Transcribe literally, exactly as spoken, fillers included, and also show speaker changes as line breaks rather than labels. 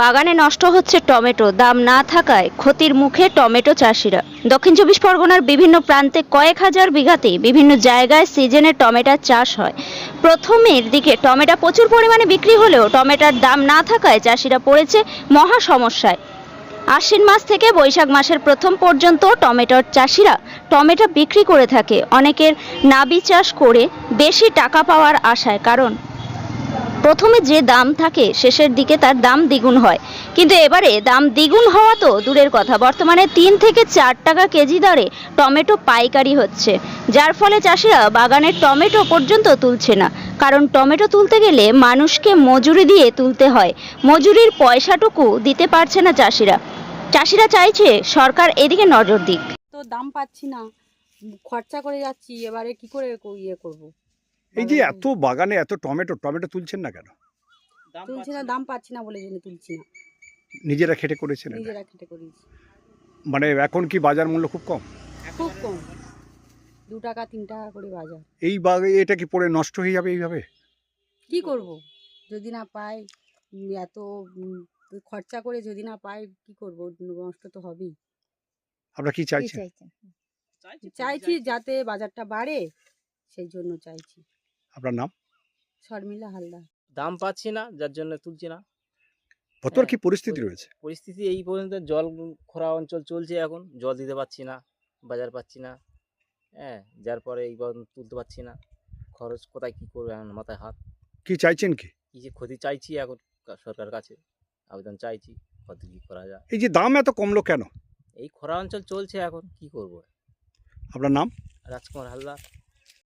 বাগানে নষ্ট হচ্ছে টমেটো, দাম না থাকায় ক্ষতির মুখে টমেটো চাষিরা। দক্ষিণ চব্বিশ পরগনার বিভিন্ন প্রান্তে কয়েক হাজার বিঘাতে বিভিন্ন জায়গায় সিজনে টমেটোর চাষ হয়। প্রথমের দিকে টমেটো প্রচুর পরিমাণে বিক্রি হলেও টমেটোর দাম না থাকায় চাষিরা পড়েছে মহা সমস্যায়। আশ্বিন মাস থেকে বৈশাখ মাসের প্রথম পর্যন্ত টমেটোর চাষিরা টমেটো বিক্রি করে থাকে। অনেকের নাবি চাষ করে বেশি টাকা পাওয়ার আশায়, কারণ প্রথমে যে দাম থাকে শেষের দিকে তার দাম দ্বিগুণ হয়। কিন্তু এবারে দাম দ্বিগুণ হওয়া তো দূরের কথা, বর্তমানে তিন থেকে চার টাকা কেজি দরে টমেটো পাইকারি হচ্ছে, যার ফলে চাষিরা বাগানের টমেটো পর্যন্ত তুলছে না। কারণ টমেটো তুলতে গেলে মানুষকে মজুরি দিয়ে তুলতে হয়, মজুরির পয়সাটুকু দিতে পারছে না চাষিরা। চাষিরা চাইছে সরকার এদিকে নজর দিক।
তো দাম পাচ্ছি না, খরচা করে যাচ্ছি, এবারে কি করে কো- ইয়ে করব।
এই যে এত বাগানে এত টমেটো টমেটো তুলছেন না কেন?
তুলছি না, দাম পাচ্ছি না বলে জন্য তুলছি না।
নিজেরা খেটে করেছেন এটা?
নিজেরা খেটে করেছি।
মানে এখন কি বাজার মূল্য খুব কম?
খুব কম, দু টাকা তিন টাকা করে বাজার।
এই বাগে এটা কি পড়ে নষ্ট হয়ে যাবে এইভাবে?
কি করব যদি না পাই, উম, এত উম, খরচা করে যদি না পাই কি করব, নষ্ট তো হবেই।
আপনারা কি চাইছেন?
চাইছি যাতে বাজারটা বাড়ে, সেই জন্য চাইছি।
আপনার নাম?
শর্মিলা হালদার।
দাম পাচ্ছি না, যার জন্য তুলছি না।
বর্তমান কি
হ্যাঁ,
পরিস্থিতি
ওই-
রয়েছে?
পরিস্থিতি এই পর্যন্ত, জল খরা অঞ্চল চলছে, এখন জল দিতে পারছি না, বাজার পাচ্ছি না। হ্যাঁ, যার পরে এই পর্যন্ত তুলতে পারছি না। খরচ কোথায় কি করবে, এখন মাথায় হাত।
কি চাইছেন কি?
কি যে ক্ষতি চাইছি এখন কা- সরকারের কাছে আবেদন চাইছি, কত কি করা যায়।
এই যে দাম এত কমলো কেন?
এই খরা অঞ্চল চলছে, এখন কি করব।
আপনার নাম?
রাজকুমার হালদার।